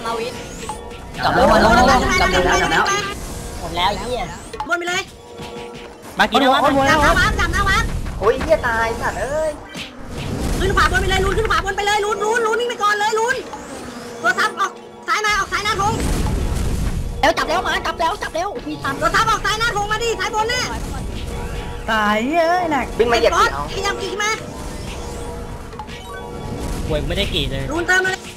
มาวินจับแล้วจับแล้วจับแล้วหมดแล้วเหี้ยบนไปเลยมากินนะวะจับหน้าวัดโอ้ยเหี้ยตายสัตว์เอ้ยขึ้นขวาบนไปเลยลุ้นขึ้นขวาบนไปเลยลุ้นวิ่งไปก่อนเลยลุ้นตัวทับออกซ้ายมาออกซ้ายหน้าธงแล้วจับแล้วมาจับแล้วพี่ทับตัวทับออกซ้ายหน้าธงมาดิซ้ายบนเนี่ยตายเอ้ยหนักวิ่งมาเหยียบเอาขยับกี่มาป่วยไม่ได้กี่เลยลุ้นเติมเลย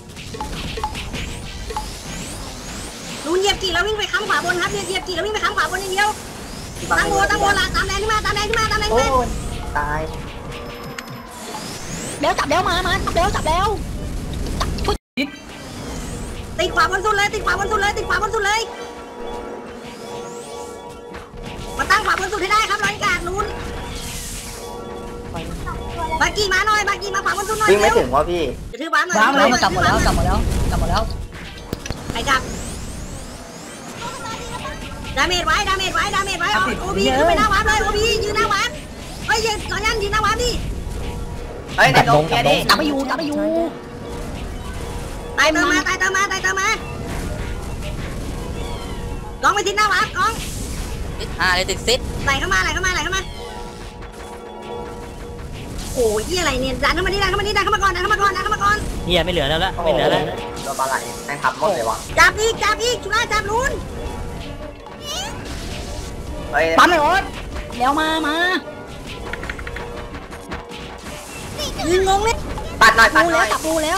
ลุ้นเหยียบกี่แล้ววิ่งไปค้ำขวาบนครับเหยียบกี่แล้ววิ่งไปค้ำขวาบนอย่างเดียวตั้งโบละตามแรงขึ้นมาโอ้ยตายแล้วจับแล้วมาจับแล้วติดขวาบนสุดเลยมาตั้งขวาบนสุดให้ได้ครับร้อยกาดลุ้นบากีมาหน่อยบากีมาขวาบนสุดหน่อยวิ่งไม่ถึงวะพี่จะถือบ้านหน่อยกลับหมดแล้วไอ้จับดาเมจไว้โอบีขึ้นไปหน้าวัดเลยโอบียืนหน้าวัดเฮ้ยยืนก่อนยันยืนหน้าวัดดิเฮ้ยในดงแกดิจับไปอยู่ตายเติมมาลองไปทิ้งหน้าวัดกองเลยติดซิดไหลเข้ามาโอ้ยอะไรเนี่ยดันเข้ามาก่อนเฮียไม่เหลือแล้วละไม่เหลือแล้วตัวปลาไหลแม่งทำหมดเลยวะจับอีกชุล่าจับลุ้นปั๊มไม่โอ๊ตแล้วมายืนงงเลยปัดหน่อยจับดูแล้ว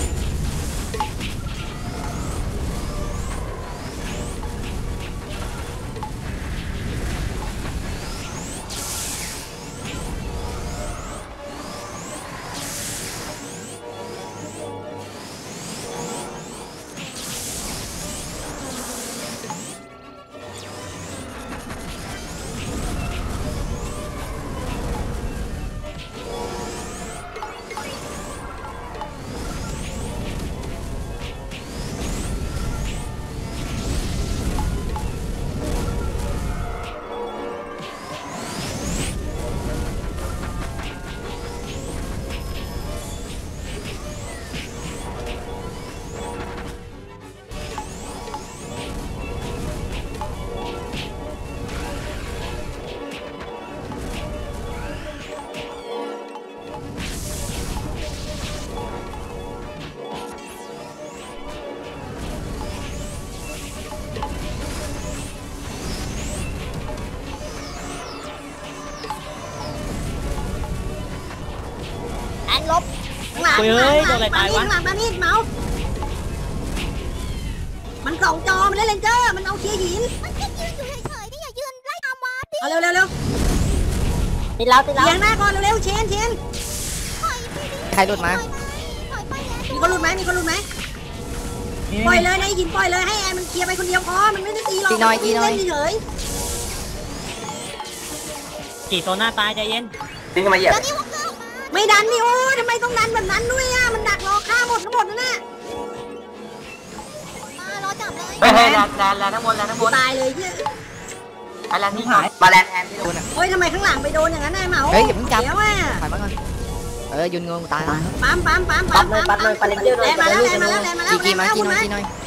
ลบหลังมามีดเมาส์มันสองจอมันเล่นเลนเจอร์มันเอาเชียร์หินมันแค่ยืนอยู่เฉยๆนี่อย่ายืนไล่เอามาดิเอาเร็วติดแล้วเลี้ยงหน้าก่อนเร็วเชนใครหลุดมามีคนหลุดไหมปล่อยเลยในหินปล่อยเลยให้แอร์มันเคลียร์ไปคนเดียวพอมันไม่ได้ตีหรอกตีน้อยเฉยกี่โซน่าตายใจเย็นตีขึ้นมาเหยียบไม่ดันนี่โอ้ทำไมต้องดันแบบนั้นด้วยอ่ะมันดักรอฆ่าหมดทั้งหมดนั่นน่ะรอจับเลยเฮ้ยแลนทั้งหมดตายเลยเยอะอะไรนี่หายมาแลนแทนที่โดนอ่ะโอ้ยทำไมข้างหลังไปโดนอย่างนั้นนายเหมาเฮ้ยอย่าเพิ่งจับแล้วอ่ะถอยมาก่อนยืนงงตายปั๊มเลยไปเลยแลนมาแล้วจีมากินหน่อย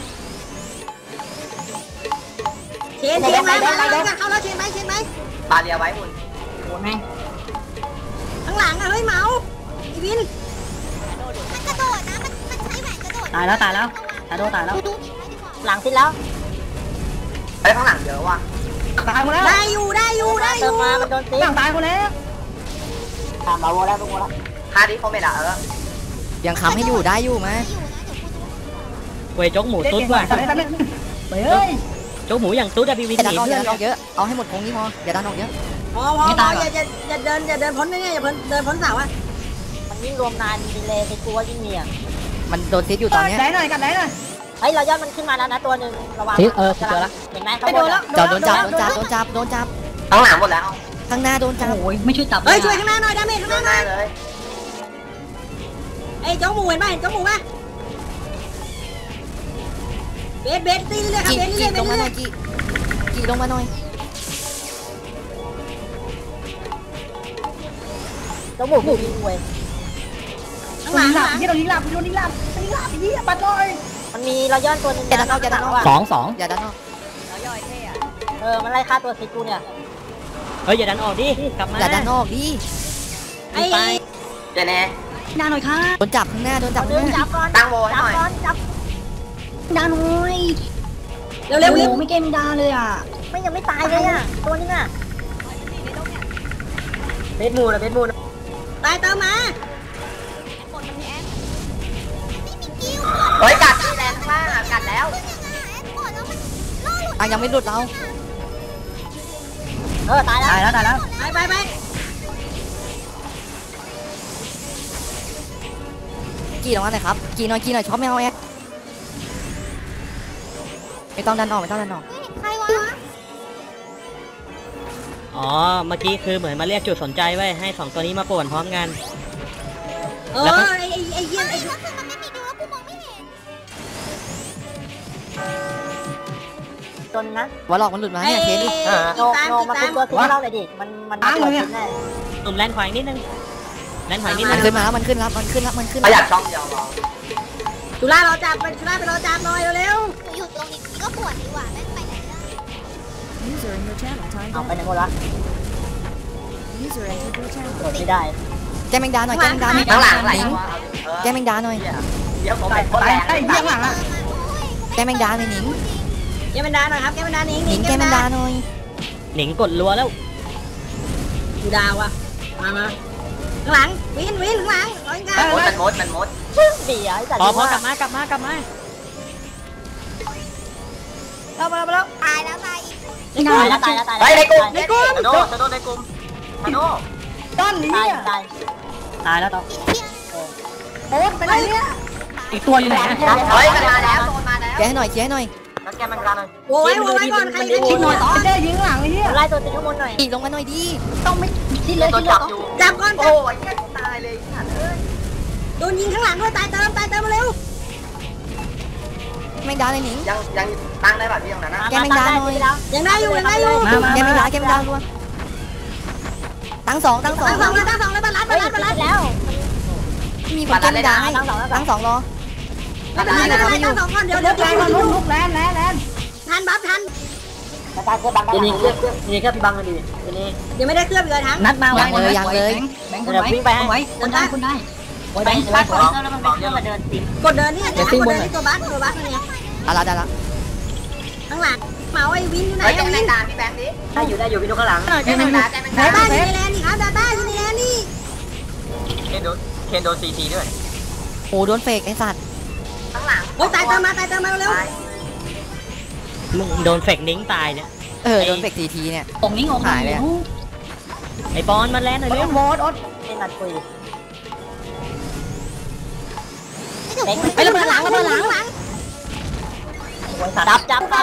เชนมาเข้าแล้วเชนไหมปาเรียไว้หุ่นโดนแม่งข้างหลังอะเฮ้ยเหมาอีวินมันกระโดดนะมันใช้แหวนกระโดดตายแล้วตายแล้วหลังสิ้นแล้วเฮ้ยข้างหลังเยอะว่ะตายหมดแล้วได้อยู่มามันโดนตีตายหมดแล้วมาโวแล้วฮาร์ดี้เขาไม่ด่ายังค้ำให้อยู่ได้อยู่ไหมเว้ยโจ๊กหมูตุ๊ดว่ะเฮ้ยโจ๊กหมูอย่างตุ๊ดอะพี่วินหนีเพื่อนเยอะเอาให้หมดคงนี้พออย่าดันออกเยอะพออย่าเดินพ้นนี่อย่าเดินพ้นเสาอ่ะมันยิ่งรวมนานดีเลยไปกลัวยิ่งมีอ่ะมันโดนทิศอยู่ตอนนี้ได้หน่อยเฮ้ยเรายอดมันขึ้นมาแล้วนะตัวหนึ่งระวังเจอแล้วเห็นไหมโดนจับข้างหลังหมดแล้วข้างหน้าโดนจับโอ้ยไม่ช่วยจับเฮ้ยช่วยข้างหน้าหน่อยดาเมจข้างหน้าเลยไอ้เจ้าหมูเห็นป่ะเบสตีเลยครับเบสนี่ลงมาหน่อยกี่ลงมาหน่อยเจ้าหมูวิ่งเว้ยข้างหลังที่โดนลิงลับปัดเลยมันมีเราย้อนตัวนึงอย่าดันออกอย่าดันออกสองอย่าดันออกมันไล่ฆ่าตัวซิกูเนี่ยเฮ้ยอย่าดันออกดิกลับมาอย่าดันออกดิไอ้ไปเจเน่ดาหน่อยค่ะโดนจับข้างหน้าโดนจับข้างหน้าจับก่อนตั้งโบหน่อยจับดาหน่อยเร็วไม่เกมดาเลยอ่ะไม่ยังไม่ตายเลยอ่ะตัวนึงอ่ะเบสมูนตายเติมมาเฮ้ยกัดที่แรงมากกัดแล้วยังไม่หลุดเราตายแล้วไปกี่ลงมาหน่อยครับกี่หน่อยช็อปไม่เอาแอดไม่ต้องดันออกใครวะอ๋อเมื่อกี้คือเหมือนมาเรียกจุดสนใจไว้ให้2ตัวนี้มาป่วนพร้อมกันไอ้เยี่ยมไอ้ก็คือมันไม่มีดูแล้วกูมองไม่เห็นจนนะวอลล็อกมันหลุดมาเนี่ยเคสดิโนมาเป็นตัวทิ้งเราเลยดิมันตัวทิ้งแน่ตุ่มแลนขวางนิดนึงแลนขวางนิดมันึนงขึ้นมาแล้วมันขึ้นแล้วประหยัดช่องเดียวจุฬาเราจับไปจุฬาไปเราจับหน่อยเร็วหนูอยู่ตรงนี้ก็ปวดดีกว่าแม่งไปไหนได้เอาไปไหนหมดละกดไม่ได้แกแมงดาหน่อยแกแมงดาหน่อยข้างหลังไหลแกแมงดาหน่อยเดี๋ยวผมเป็นคนแรงไอ้เยี่ยงหลังอ่ะแกแมงดาหน่อยหนิงแกมันดาหน่อยครับแกมันดาหนิงหนิงแกแมงดาหน่อยหนิงกดรัวแล้วดูดาวอ่ะมาข้างหลังวินข้างหลังร้อยกันมันมดเดี๋ยวพอกลับมากลับมาเรามาแล้วตายแล้วตายอีกตายในกลุ่มในกลุ่มโดนในกลุ่มมาโน่ต้นนี้ตายแล้วต่ออีกเที่ยงโอ๊ตไปไหนเนี่ยอีกตัวอยู่ไหนเฮ้ยมันมาแล้วโดนมาแล้วแกให้หน่อยแล้วแกมันกันเลยโว้ยก่อนใครจะคิคิดดหหน่น่ออย ยต่อเจ๊ยิงหลังไอ้เหี้ยไล่ตัวติดข้างบนหน่อยอีกลงมาหน่อยดิต้องไม่คิดเลยตัวคิดเลยจับอยู่จับก่อนโอ้ยแกตายเลยโดนยิงข้างหลังด้วยตายเติมมาเร็วแมงดาเลยหนิงยังตั้งได้แบบที่ตรงนั้นนะแกแมงดาหน่อยยังได้อยู่แกแมงดารัวตั้งสองตั้งสองแล้วบาลัดแล้วมีคนแกแมงดาให้ตั้งสองรอไม่เป็นไรตั้งสองก่อนเดี๋ยวแรงมันลุกแรงทันบัฟทันนี่แค่พี่บังกันดินี่ยังไม่ได้เคลือบเลยทั้งนัดมายังเลยแบงค์วิ่งไปไว้คนได้แบงค์บัฟแล้วมันเป็นเครื่องมาเดินติดกดเดินนี่กดเดินที่ตัวบัฟเนี่ยได้ละข้างหลังเมาไอ้วินอยู่ไหนไอ้วินตาพี่แบงค์ดิได้อยู่พี่นุ๊กข้างหลังแกแมงดาดาต้าอยู่ในแลนด์นี่ครับดาต้าอยู่ในแลนด์นี่เคนโดนซีด้วยโอ้โดนเฟกไอ้สัตว์ข้างหลังโอ้ยตายเติมมาเร็วมึงโดนเฟกนิ้งตายเนี่ยโดนเฟกทีเนี่ยองนิ้งองหายเลยไอ้ปอนมาแลนหน่อยเร็วโอ๊ตเป็นนัดคุยไอ้หนูไประเบิดหลังจับไป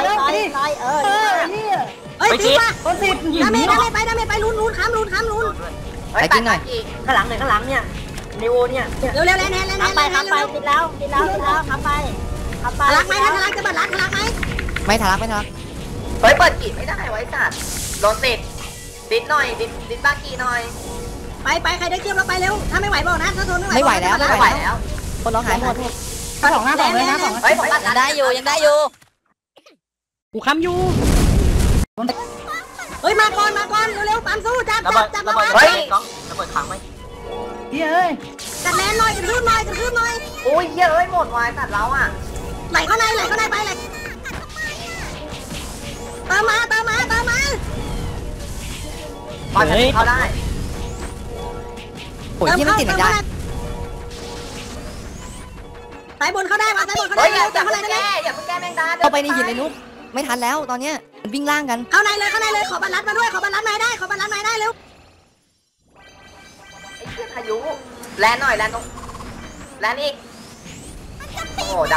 เฮ้ยตีมาต้นสิบดาเมจไปลุ้นข้ามลุ้นไปกินหน่อยข้างหลังเนี่ยนิวเนี่ยเร็วแลนไปติดแล้วขับไปรักไหมทะลักจะเปิดรักไหมไม่ทะลักเฮ้ยเปิดกีไม่ได้ไว้สัตว์โดนติดหน่อยดิดบ้ากีหน่อยไปใครได้เกี่ยวเราไปเร็วถ้าไม่ไหวบอกนะถ้าทนไม่ไหวแล้ว คนเราหายหมดสองหน้าสองเลยนะสองเฮ้ยผมตัดยังได้อยู่กูค้ำอยู่เฮ้ยมาก่อนเร็วปั๊มสู้จับระเบิดเฮ้ยน้องระเบิดขังไหมเฮ้ยจัดแลนหน่อยกระทืบหน่อยโอ้ยเยอะเอ้ยหมดวายสัตว์เราอ่ะไหลเข้าในไปเลยเติมมาบอลเขาได้โอ้ยยี่ไม่ติดแมงดาสายบนเขาได้มาสายบนเขาเฮ้ได้ยอย่าเติมเพิ่เข้าง ในแก้อย่าเพิ่งแก้แมงดาเข้าไปในหินเลยนุ๊กไม่ทันแล้วตอนเนี้ยมันวิ่งล่างกันเข้าในเลยขอบรรลัดมาด้วยขอบรรลัดมาได้เร็วไอ้เชี่ยพายุแลนหน่อยแลนตรงแลนอีกโอ้โหด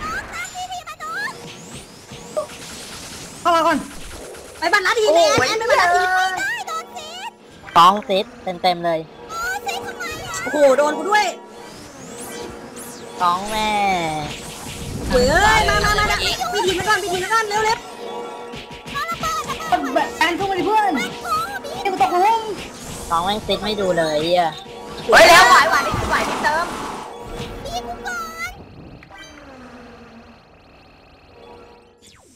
เข้ามาก่อนไปบรรลัดำหินโอ้เลยยไปบรรลัดหินสองเซตเต็มเลยโอ้โหโดนกูด้วยสองแม่เฮ้ยมาพี่ทีมไปก่อนเร็วแอนสู้มาดิเพื่อนนี่กูตกหลุมสองแม่งเซตไม่ดูเลยอ่ะเฮ้ยแล้วไหวนี่เติม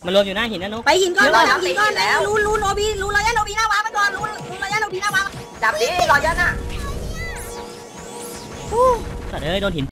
มันรวมอยู่หน้าหินนะนุ๊กไปหินก้อนไปหินก้อนแล้วลุ้นโอบีลุ้นระยะโอบีหน้าวาไปก่อนลุ้นระยะโอบีหน้าวาจับดิรอยันอ่ะสัตว์เอ้ยโดนหิน